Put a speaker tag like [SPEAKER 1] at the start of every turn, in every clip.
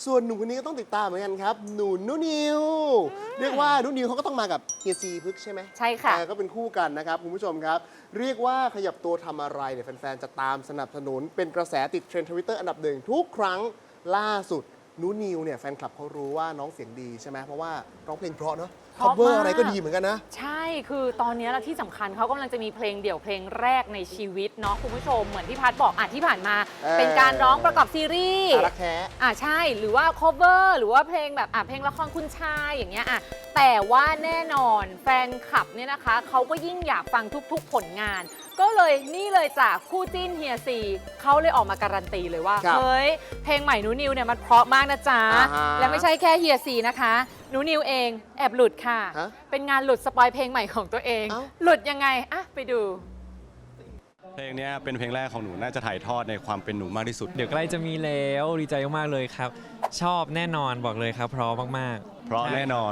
[SPEAKER 1] ส่วนหนุ่มคนนี้ก็ต้องติดตามเหมือนกันครับหนูนุนิวเรียกว่านุนิวเขาก็ต้องมากับเฮียซีพึกใช่ไหม
[SPEAKER 2] ใช่ค่ะ
[SPEAKER 1] ก็เป็นคู่กันนะครับคุณผู้ชมครับเรียกว่าขยับตัวทำอะไรเนี่ยแฟนๆจะตามสนับสนุนเป็นกระแสติดเทรนด์ทวิตเตอร์อันดับหนึ่งทุกครั้งล่าสุดนุนิวเนี่ยแฟนคลับเขารู้ว่าน้องเสียงดีใช่ไหมเพราะว่าร้องเพลงเพราะเนาะคอเวอร์อะไรก็ดีเหมือนกันนะ
[SPEAKER 2] ใช่คือตอนนี้แล้วที่สำคัญเขากำลังจะมีเพลงเดี่ยวเพลงแรกในชีวิตเนาะคุณผู้ชมเหมือนที่พัดบอกที่ผ่านมาเป็นการร้องประกอบซีรีส์
[SPEAKER 1] รักแท้
[SPEAKER 2] ใช่หรือว่า cover หรือว่าเพลงแบบเพลงละครคุณชายอย่างเงี้ยแต่ว่าแน่นอนแฟนคลับเนี่ยนะคะเขาก็ยิ่งอยากฟังทุกๆผลงานก็เลยนี่เลยจากคู่จิ้นเฮียซีเขาเลยออกมาการันตีเลยว่าเฮ้ยเพลงใหม่นูนิวเนี่ยมันเพราะมากนะจ๊ะและไม่ใช่แค่เฮียซีนะคะนูนิวเองแอบหลุดค่ะเป็นงานหลุดสปอยเพลงใหม่ของตัวเองหลุดยังไงไปดู
[SPEAKER 3] เพลงนี้เป็นเพลงแรกของหนูน่าจะถ่ายทอดในความเป็นหนูมากที่สุด
[SPEAKER 4] เดี๋ยวใกล้จะมีแล้วดีใจมากๆเลยครับชอบแน่นอนบอกเลยครับเพราะมาก
[SPEAKER 3] ๆเพราะแน่นอน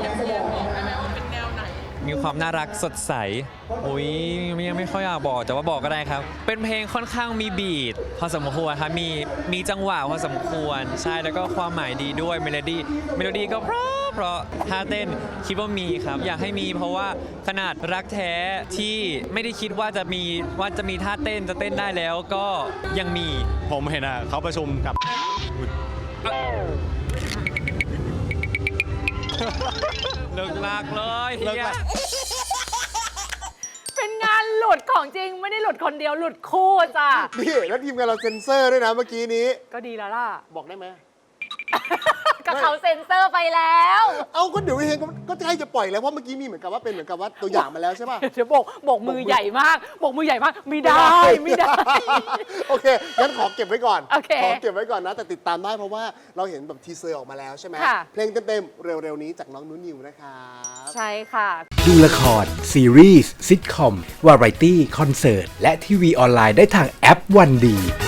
[SPEAKER 4] มีความน่ารักสดใสอุ้ยยังไม่ค่อยอยากบอกแต่ว่าบอกก็ได้ครับเป็นเพลงค่อนข้างมีบีทพอสมควรครับมีจังหวะพอสมควรใช่แล้วก็ความหมายดีด้วยเมโลดี้ก็เพราะท่าเต้นคิดว่ามีครับอยากให้มีเพราะว่าขนาดรักแท้ที่ไม่ได้คิดว่าจะมีท่าเต้นจะเต้นได้แล้วก็ยังมี
[SPEAKER 3] ผมเห็นเขาประชุมกับ
[SPEAKER 4] เลิกลากเลยเฮีย
[SPEAKER 2] เป็นงานหลุดของจริงไม่ได้หลุดคนเดียวหลุดคู่จ้ะ
[SPEAKER 1] นี่แล้วทีมงานเราเซ็นเซอร์ด้วยนะเมื่อกี้นี้
[SPEAKER 2] ก็ดีแล้วล่ะ
[SPEAKER 1] บอกได้ไหม
[SPEAKER 2] ก็เขาเซ็นเซอร์ไปแล้ว
[SPEAKER 1] ก็เดี๋ยวเฮงก็ใกล้จะปล่อยแล้วเพราะเมื่อกี้มีเหมือนกับว่าตัวอย่างมาแล้วใช่ป่ะ
[SPEAKER 2] เดี๋ยวบอกมือใหญ่มากบอกมือใหญ่มากไม่ได้
[SPEAKER 1] โอเคงั้นขอเก็บไว้ก่อน
[SPEAKER 2] ขอ
[SPEAKER 1] เก็บไว้ก่อนนะแต่ติดตามได้เพราะว่าเราเห็นแบบทีเซอร์ออกมาแล้วใช่ไหมเพลงเต็มๆเร็วๆนี้จากน้องนุนิวนะครับ
[SPEAKER 2] ใช่ค่ะ
[SPEAKER 5] ดูละครซีรีส์ซิทคอมวาไรตี้คอนเสิร์ตและทีวีออนไลน์ได้ทางแอปวันดี